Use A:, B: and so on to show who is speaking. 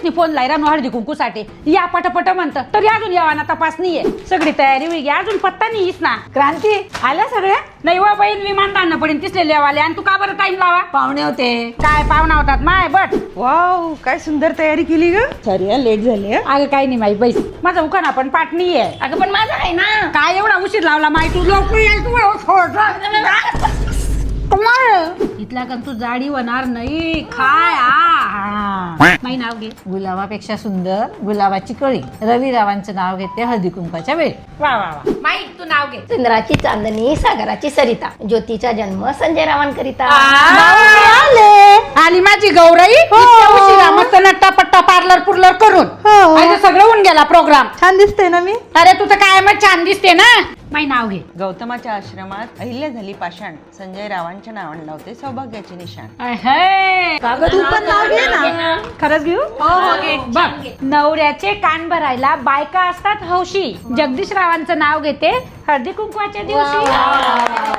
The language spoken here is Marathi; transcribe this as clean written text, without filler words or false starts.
A: दिवस फोन लायरा नो हळदी कुंकूसाठी या पटपट म्हणतं तरी अजून यावाना तपास नाहीये सगळी तयारी होई घ्या अजून पत्ता नाहीस ना.
B: क्रांती आल्या सगळ्या?
A: नाही वा बहीण विमानदान पडेल तिसले लेवाले आणि तू का बरं टाइम लावा.
B: पाहुणे होते.
A: काय पाहुणा होतात माय बट.
C: वाव काय सुंदर तयारी केली ग. सॉरी लेट झाली.
A: अगं काही नाही माई बैस माझा उखाणा पण पाठ नाहीये.
D: अगं पण माझं आहे ना.
A: काय एवढा उशीर लावला माई तू लोक इथला का तू जाडी होणार नाही काय माई नाव घे.
B: गुलाबापेक्षा सुंदर गुलाबाची कळी. रवी रावांचं नाव घेते हळदी कुंकाच्या वेळी.
A: वा वा वा माई तू नाव घे.
D: चंद्राची चांदणी सागराची सरिता ज्योतीचा जन्म संजय रावांकरिता.
A: आली माझी गौराई इतक्या उशिरा मस्त नट्टा पट्टा पार्लर पुर्लर करून आता सगळं होऊन गेला प्रोग्राम.
C: छान दिसते ना मी.
A: अरे तू तर काय मग छान दिसते ना. माई नाव घे.
E: गौतमाच्या आश्रमात अहिल्या झाली पाषाण संजय रावांच्या नावाने लावते सौभाग्याचे निशाण.
C: तू पण नाव घे ना. खरंच घेऊ.
A: बघ नवऱ्याचे कान भरायला बायका असतात हौशी. जगदीश रावांचं नाव घेते हळदी कुंकवाच्या दिवशी.